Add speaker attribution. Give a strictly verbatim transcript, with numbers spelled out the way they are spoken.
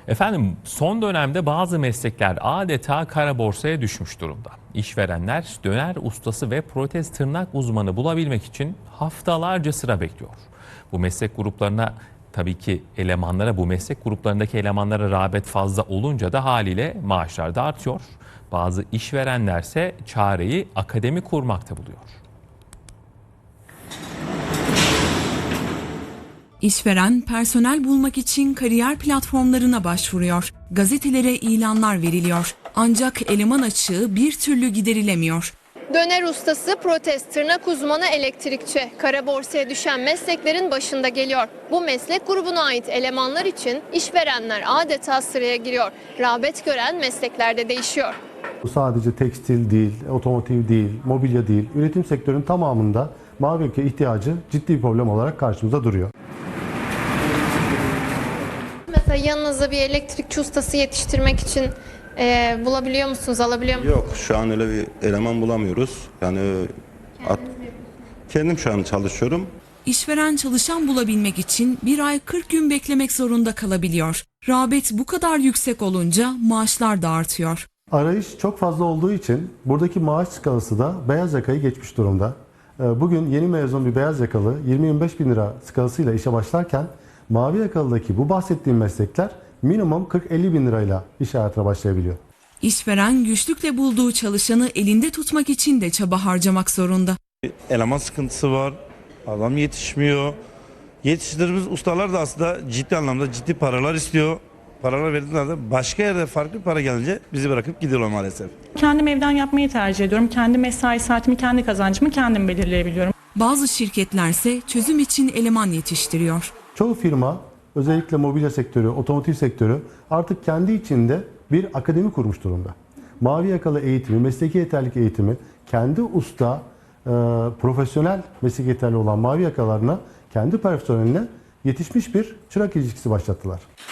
Speaker 1: Efendim son dönemde bazı meslekler adeta kara borsaya düşmüş durumda. İşverenler döner ustası ve protez tırnak uzmanı bulabilmek için haftalarca sıra bekliyor. Bu meslek gruplarına tabii ki elemanlara, bu meslek gruplarındaki elemanlara rağbet fazla olunca da haliyle maaşlar da artıyor. Bazı işverenlerse çareyi akademi kurmakta buluyor.
Speaker 2: İşveren personel bulmak için kariyer platformlarına başvuruyor. Gazetelere ilanlar veriliyor. Ancak eleman açığı bir türlü giderilemiyor.
Speaker 3: Döner ustası, protez, tırnak uzmanı, elektrikçi. Kara borsaya düşen mesleklerin başında geliyor. Bu meslek grubuna ait elemanlar için işverenler adeta sıraya giriyor. Rağbet gören meslekler de değişiyor.
Speaker 4: Bu sadece tekstil değil, otomotiv değil, mobilya değil, üretim sektörünün tamamında mavi yaka ihtiyacı ciddi bir problem olarak karşımıza duruyor.
Speaker 3: Mesela yanınıza bir elektrikçi ustası yetiştirmek için e, bulabiliyor musunuz, alabiliyor musunuz?
Speaker 5: Yok, şu an öyle bir eleman bulamıyoruz. Yani at, kendim şu an çalışıyorum.
Speaker 2: İşveren çalışan bulabilmek için bir ay kırk gün beklemek zorunda kalabiliyor. Rağbet bu kadar yüksek olunca maaşlar da artıyor.
Speaker 4: Arayış çok fazla olduğu için buradaki maaş skalası da beyaz yakayı geçmiş durumda. Bugün yeni mezun bir beyaz yakalı yirmi yirmi beş bin lira skalasıyla işe başlarken mavi yakalıdaki bu bahsettiğim meslekler minimum kırk elli bin lirayla iş hayatına başlayabiliyor.
Speaker 2: İşveren güçlükle bulduğu çalışanı elinde tutmak için de çaba harcamak zorunda.
Speaker 6: Eleman sıkıntısı var, adam yetişmiyor. Yetiştirdiğimiz ustalar da aslında ciddi anlamda ciddi paralar istiyor. Paralar verdiğinde başka yerde farklı bir para gelince bizi bırakıp gidiyorlar maalesef.
Speaker 7: Kendim evden yapmayı tercih ediyorum. Kendi mesai saatimi, kendi kazancımı kendim belirleyebiliyorum.
Speaker 2: Bazı şirketlerse çözüm için eleman yetiştiriyor.
Speaker 4: Çoğu firma, özellikle mobilya sektörü, otomotiv sektörü artık kendi içinde bir akademi kurmuş durumda. Mavi yakalı eğitimi, mesleki yeterlilik eğitimi, kendi usta, e, profesyonel mesleki yeterli olan mavi yakalarına, kendi personeline yetişmiş bir çırak ilişkisi başlattılar.